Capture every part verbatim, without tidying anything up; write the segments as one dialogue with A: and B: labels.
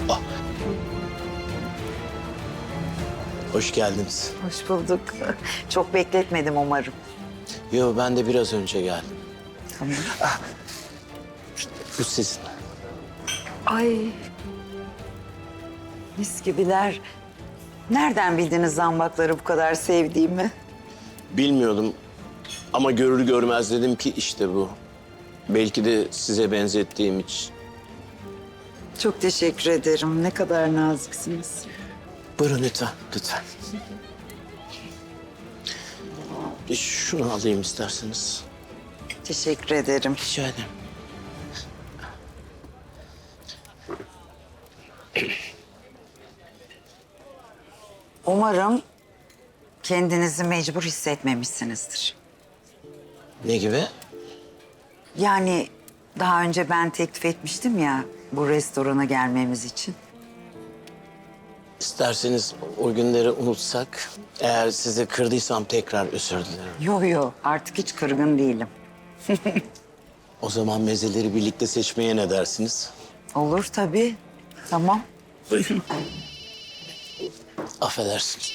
A: Ah. Hoş geldiniz.
B: Hoş bulduk. Çok bekletmedim umarım.
A: Yo, ben de biraz önce geldim.
B: Tamam.
A: Bu sizin.
B: Ay. Mis gibiler. Nereden bildiniz zambakları bu kadar sevdiğimi?
A: Bilmiyordum ama görür görmez dedim ki işte bu. Belki de size benzettiğim için.
B: Çok teşekkür ederim. Ne kadar naziksiniz.
A: Buyurun lütfen, lütfen. Bir şunu alayım isterseniz.
B: Teşekkür ederim.
A: Rica ederim.
B: Umarım kendinizi mecbur hissetmemişsinizdir.
A: Ne gibi?
B: Yani daha önce ben teklif etmiştim ya bu restorana gelmemiz için.
A: İsterseniz o günleri unutsak. Eğer sizi kırdıysam tekrar özür dilerim.
B: Yo yo artık hiç kırgın değilim.
A: O zaman mezeleri birlikte seçmeye ne dersiniz?
B: Olur tabii. Tamam.
A: Affedersiniz.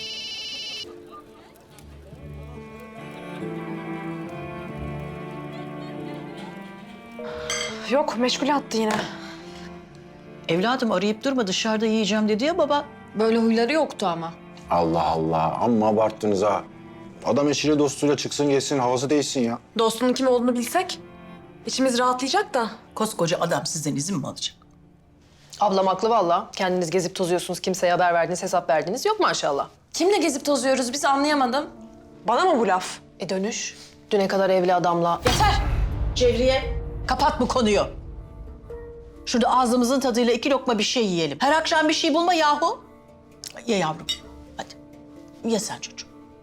C: Yok, meşgule attı yine.
D: Evladım arayıp durma, dışarıda yiyeceğim dedi ya baba.
C: Böyle huyları yoktu ama.
E: Allah Allah, amma abarttınız ha. Adam eşiyle dostuyla çıksın gelsin, havası değişsin ya.
C: Dostunun kim olduğunu bilsek içimiz rahatlayacak da.
D: Koskoca adam sizden izin mi alacak?
F: Ablam haklı valla. Kendiniz gezip tozuyorsunuz, kimseye haber verdiniz, hesap verdiniz. Yok maşallah.
C: Kimle gezip tozuyoruz biz anlayamadım. Bana mı bu laf?
F: E dönüş. Düne kadar evli adamla.
D: Yeter! Cevriye, kapat bu konuyu. Şurada ağzımızın tadıyla iki lokma bir şey yiyelim. Her akşam bir şey bulma yahu. Ye yavrum, hadi. Ye sen çocuğum.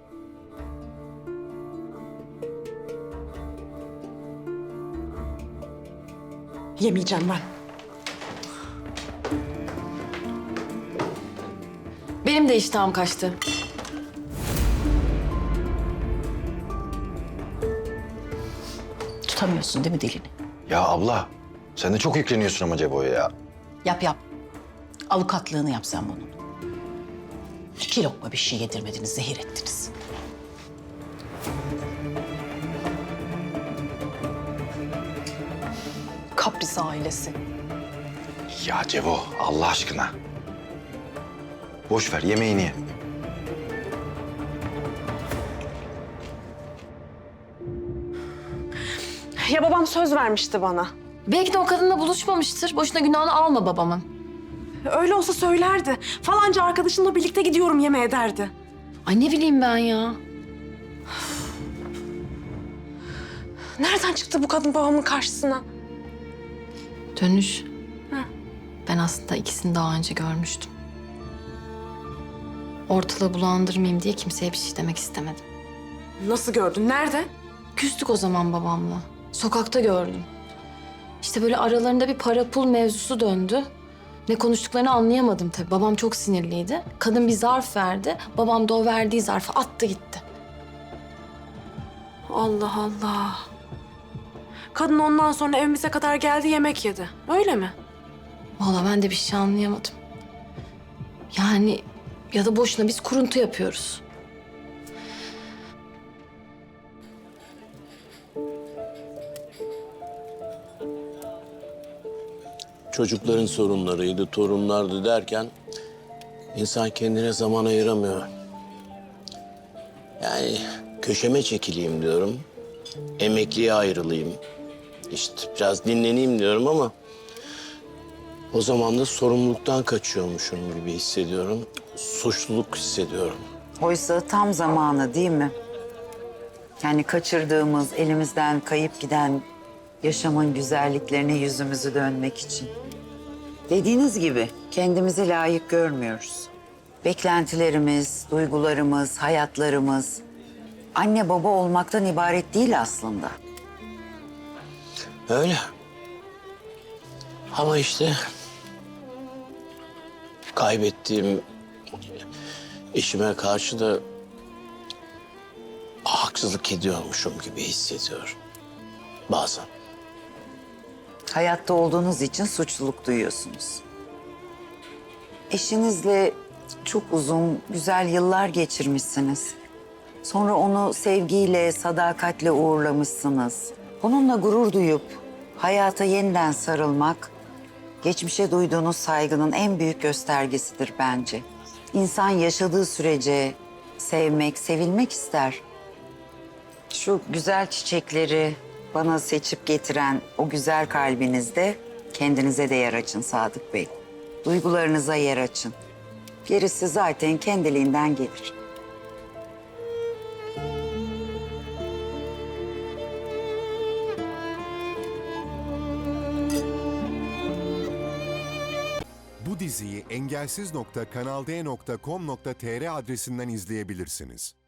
C: Yemeyeceğim ben. Benim de iştahım kaçtı.
D: Tutamıyorsun değil mi dilini?
E: Ya abla, sen de çok yükleniyorsun ama Cebo'ya ya.
D: Yap yap. Avukatlığını yap sen bunun. İki lokma bir şey yedirmediniz, zehir ettiniz.
F: Kapris ailesi.
E: Ya Cebo, Allah aşkına. Boş ver, yemeğini ye.
C: Ya babam söz vermişti bana.
G: Belki de o kadınla buluşmamıştır. Boşuna günahını alma babamın.
C: Öyle olsa söylerdi. Falanca arkadaşımla birlikte gidiyorum yemeğe derdi.
G: Ay ne bileyim ben ya.
C: Nereden çıktı bu kadın babamın karşısına?
G: Dönüş. Ben aslında ikisini daha önce görmüştüm. Ortalığı bulandırmayayım diye kimseye bir şey demek istemedim.
C: Nasıl gördün? Nerede?
G: Küstük o zaman babamla. Sokakta gördüm. İşte böyle aralarında bir para pul mevzusu döndü. Ne konuştuklarını anlayamadım tabii. Babam çok sinirliydi. Kadın bir zarf verdi. Babam da o verdiği zarfı attı gitti.
C: Allah Allah. Kadın ondan sonra evimize kadar geldi yemek yedi. Öyle mi?
G: Vallahi ben de bir şey anlayamadım. Yani ya da boşuna biz kuruntu yapıyoruz.
A: Çocukların sorunlarıydı, torunlardı derken insan kendine zaman ayıramıyor. Yani köşeme çekileyim diyorum, emekliye ayrılayım. İşte biraz dinleneyim diyorum ama o zaman da sorumluluktan kaçıyormuşum gibi hissediyorum. Suçluluk hissediyorum.
B: Oysa tam zamanı değil mi? Yani kaçırdığımız, elimizden kayıp giden yaşamın güzelliklerine yüzümüzü dönmek için. Dediğiniz gibi kendimizi layık görmüyoruz. Beklentilerimiz, duygularımız, hayatlarımız anne baba olmaktan ibaret değil aslında.
A: Öyle. Ama işte kaybettiğim eşime karşı da haksızlık ediyormuşum gibi hissediyorum bazen.
B: Hayatta olduğunuz için suçluluk duyuyorsunuz. eşinizle çok uzun, güzel yıllar geçirmişsiniz. Sonra onu sevgiyle, sadakatle uğurlamışsınız. Onunla gurur duyup hayata yeniden sarılmak, geçmişe duyduğunuz saygının en büyük göstergesidir bence. İnsan yaşadığı sürece sevmek, sevilmek ister. Şu güzel çiçekleri bana seçip getiren o güzel kalbinizde kendinize de yer açın Sadık Bey. Duygularınıza yer açın. Gerisi zaten kendiliğinden gelir.
H: Bu diziyi engelsiz nokta kanal d nokta com nokta tr adresinden izleyebilirsiniz.